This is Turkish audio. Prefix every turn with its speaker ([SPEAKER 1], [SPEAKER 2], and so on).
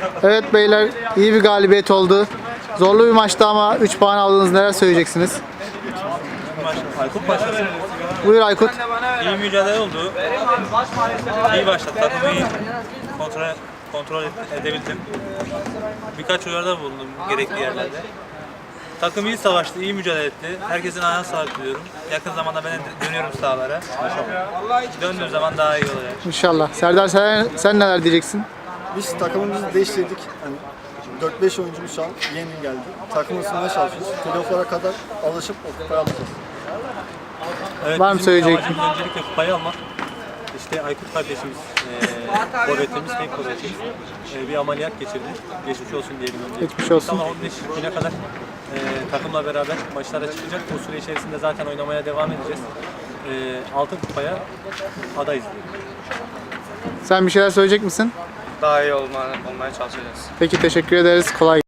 [SPEAKER 1] Evet beyler, iyi bir galibiyet oldu. Zorlu bir maçtı ama 3 puan aldınız. Neler söyleyeceksiniz?
[SPEAKER 2] Aykut başlasın.
[SPEAKER 1] Buyur Aykut.
[SPEAKER 2] İyi mücadele oldu. İyi başladı. Takımı iyi kontrol edebildim. Birkaç uyarıda bulundum gerekli yerlerde. Takım iyi savaştı, iyi mücadele etti. Herkesin ayağına sağlık diliyorum. Yakın zamanda ben dönüyorum sahalara. Döndüğüm zaman daha iyi olacak.
[SPEAKER 1] İnşallah. Serdar sen neler diyeceksin?
[SPEAKER 3] Biz takımımızı değiştirdik. Yani 4-5 oyuncumuz şu an yeni geldi. Takım ısınmaya çalışıyoruz. Playoff'lara kadar alışıp o kupayı alacağız.
[SPEAKER 2] Evet,
[SPEAKER 1] Var mı
[SPEAKER 2] bizim
[SPEAKER 1] söyleyecek?
[SPEAKER 2] amacımız öncelikle kupayı almak. İşte Aykut kardeşimiz, forvetimiz, tek forvetimiz bir ameliyat geçirdi. Geçmiş olsun diyelim önce.
[SPEAKER 1] Geçmiş olsun.
[SPEAKER 2] İnşallah 15 güne kadar takımla beraber maçlara çıkacak. O süre içerisinde zaten oynamaya devam edeceğiz. Altın kupaya adayız.
[SPEAKER 1] Sen bir şeyler söyleyecek misin?
[SPEAKER 4] Daha iyi olmaya çalışacağız.
[SPEAKER 1] Peki, teşekkür ederiz. Kolay